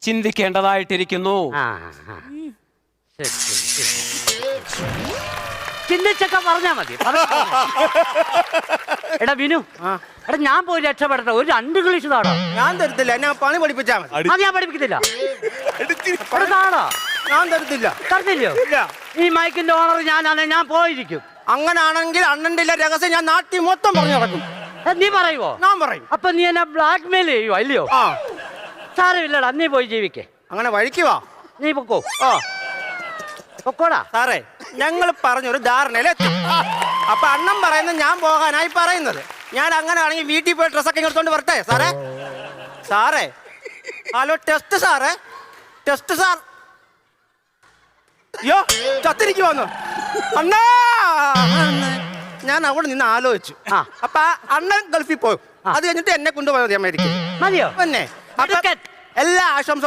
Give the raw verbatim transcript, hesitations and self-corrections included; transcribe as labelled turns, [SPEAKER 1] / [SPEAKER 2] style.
[SPEAKER 1] ചിന്തിക്കേണ്ടതായിട്ടിരിക്കുന്നു.
[SPEAKER 2] ചിന്തിച്ചൊക്കെ പറഞ്ഞാ മതി. എടാ വിനു, എടാ ഞാൻ പോയി രക്ഷപ്പെടട്ടെ. ഒരു രണ്ട് ഇംഗ്ലീഷ് താടാ.
[SPEAKER 3] ഞാൻ തരത്തില്ല, എന്നെ പണി പഠിപ്പിച്ചാ മതി.
[SPEAKER 2] അത് ഞാൻ പഠിപ്പിക്കത്തില്ല. താടാ
[SPEAKER 3] ഞാൻ തരത്തില്ല.
[SPEAKER 2] തരത്തില്ലയോ? ഈ മൈക്കിന്റെ ഓണർ ഞാനാണെ ഞാൻ പോയിരിക്കും.
[SPEAKER 3] അങ്ങനാണെങ്കിൽ അണ്ണന്റെ രഹസ്യം ഞാൻ നാട്ടിൽ മൊത്തം പറഞ്ഞു നടക്കും.
[SPEAKER 2] നീ പറയുവോ?
[SPEAKER 3] ഞാൻ പറയും.
[SPEAKER 2] അപ്പൊ നീ എന്നെ ബ്ലാക്ക് മെയിൽ ചെയ്യുവോ? അല്ലയോ?
[SPEAKER 3] ആ
[SPEAKER 2] സാരമില്ലടാ, നീ പോയി ജീവിക്കേ.
[SPEAKER 3] അങ്ങനെ വഴിക്കുവാ.
[SPEAKER 2] നീ പൊക്കോ.
[SPEAKER 3] ഓ
[SPEAKER 2] പൊക്കോടാ.
[SPEAKER 3] സാറേ, ഞങ്ങൾ പറഞ്ഞൊരു ധാരണയിലെത്തി. അപ്പൊ അണ്ണൻ പറയുന്നത് ഞാൻ പോകാനായി പറയുന്നത്. ഞാൻ അങ്ങനെ ആണെങ്കിൽ വീട്ടിൽ പോയി ഡ്രസ്സൊക്കെ എടുത്തോണ്ട് വരട്ടെ സാറേ? സാറേ ഹലോ, ടെസ്റ്റ് സാറേ, ടെസ്റ്റ് സാർ. അയ്യോ ചത്തിരിക്കുവന്നു അണ്ണാ. ഞാൻ അവിടെ നിന്ന് ആലോചിച്ചു. അപ്പൊ അണ്ണൻ ഗൾഫിൽ പോകും. അത് കഴിഞ്ഞിട്ട് എന്നെ കൊണ്ടുപോയത് അമേരിക്ക.
[SPEAKER 2] മതിയോ?
[SPEAKER 3] പിന്നെ എല്ലാ ആശംസ